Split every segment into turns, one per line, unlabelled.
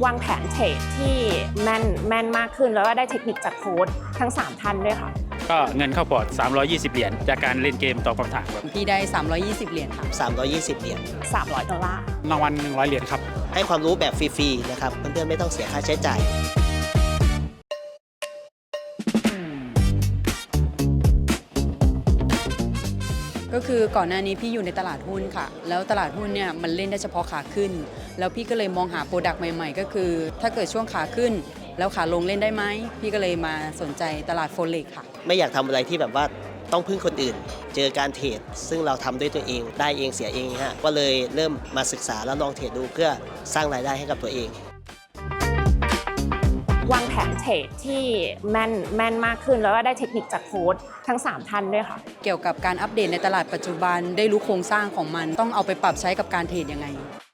วางแผนเทรดที่แม่นมากขึ้นแล้วก็ได้เทคนิคจากโค้ชทั้ง3ท่านด้วยค่ะ
ก็เงินเข้าพอร์ต320 เหรียญจากการเล่นเกมตอบคำถามครับ
พี่ได้320 เหรียญค่ะ
320 เหรียญ
$300
รางวัล100 เหรียญครับ
ให้ความรู้แบบฟรีๆนะครับเพื่อนๆไม่ต้องเสียค่าใช้จ่าย
ก็คือก่อนหน้านี้พี่อยู่ในตลาดหุ้นค่ะแล้วตลาดหุ้นเนี่ยมันเล่นได้เฉพาะขาขึ้นแล้วพี่ก็เลยมองหาโปรดักต์ใหม่ๆก็คือถ้าเกิดช่วงขาขึ้นแล้วขาลงเล่นได้ไหมพี่ก็เลยมาสนใจตลาดโฟเร็กซ์ค่ะ
ไม่อยากทำอะไรที่แบบว่าต้องพึ่งคนอื่นเจอการเทรดซึ่งเราทำด้วยตัวเองได้เองเสียเองฮะก็เลยเริ่มมาศึกษาแล้วลองเทรดดูเพื่อสร้างรายได้ให้กับตัวเอง
วางแผนเทรดที่แม่นมากขึ้นแล้วก็ได้เทคนิคจากโค้ชทั้ง3ท่านด้วยค่ะ
เกี่ยวกับการอัปเดตในตลาดปัจจุบันได้รู้โครงสร้างของมันต้องเอาไปปรับใช้กับการเทรดยังไง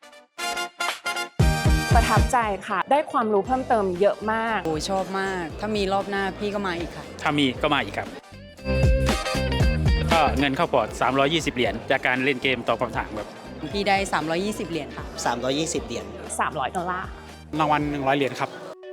ประทับใจค่ะได้ความรู้เพิ่มเติมเยอะมาก
โอ้ชอบมากถ้ามีรอบหน้าพี่ก็มาอีกค่ะ
ถ้ามีก็มาอีกครับก็เงินเข้าพอร์ต320 เหรียญจากการเล่นเกมตอบคำถามครับ
พี่ได้320 เหรียญค่ะ
320 เหรียญ
$300
รางวัล100 เหรียญครับ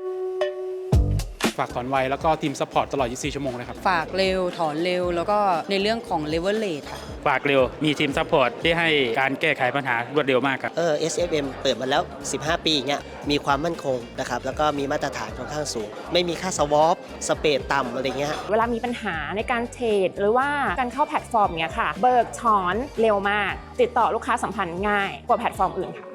ฝากถอนไวแล้วก็ทีมซัพพอร์ตตลอด24 ชั่วโมงเลยครับ
ฝากเร็วถอนเร็วแล้วก็ในเรื่องของเลเวลเลทค่ะ
ฝากเร็วมีทีมซัพพอร์ตที่ให้การแก้ไขปัญหารวดเร็วมากครับ
SFM เปิดมาแล้ว15 ปีอย่างเงี้ยมีความมั่นคงนะครับแล้วก็มีมาตรฐานค่อนข้างสูงไม่มีค่าสวอปสเปรดต่ำอะไรเงี้ย
เวลามีปัญหาในการเทรดหรือว่าการเข้าแพลตฟอร์มเนี้ยค่ะเบิกถอนเร็วมากติดต่อลูกค้าสัมพันธ์ง่ายกว่าแพลตฟอร์มอื่นค่ะ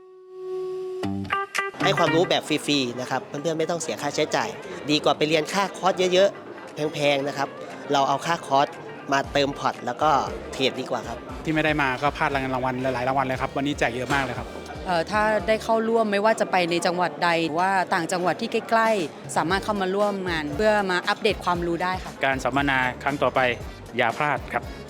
ให้ความรู้แบบฟรีๆนะครับเพื่อนๆไม่ต้องเสียค่าใช้จ่ายดีกว่าไปเรียนค่าคอร์สเยอะๆแพงๆนะครับเราเอาค่าคอร์สมาเติมพอร์ตแล้วก็เทรดดีกว่าครับ
ที่ไม่ได้มาก็พลาดรางวัลหลายๆรางวัลเลยครับวันนี้แจกเยอะมากเลยครับ
ถ้าได้เข้าร่วมไม่ว่าจะไปในจังหวัดใดหรือว่าต่างจังหวัดที่ใกล้ๆสามารถเข้ามาร่วมงานเพื่อมาอัปเดตความรู้ได้ค่ะ
การสัมมนาครั้งต่อไปอย่าพลาดครับ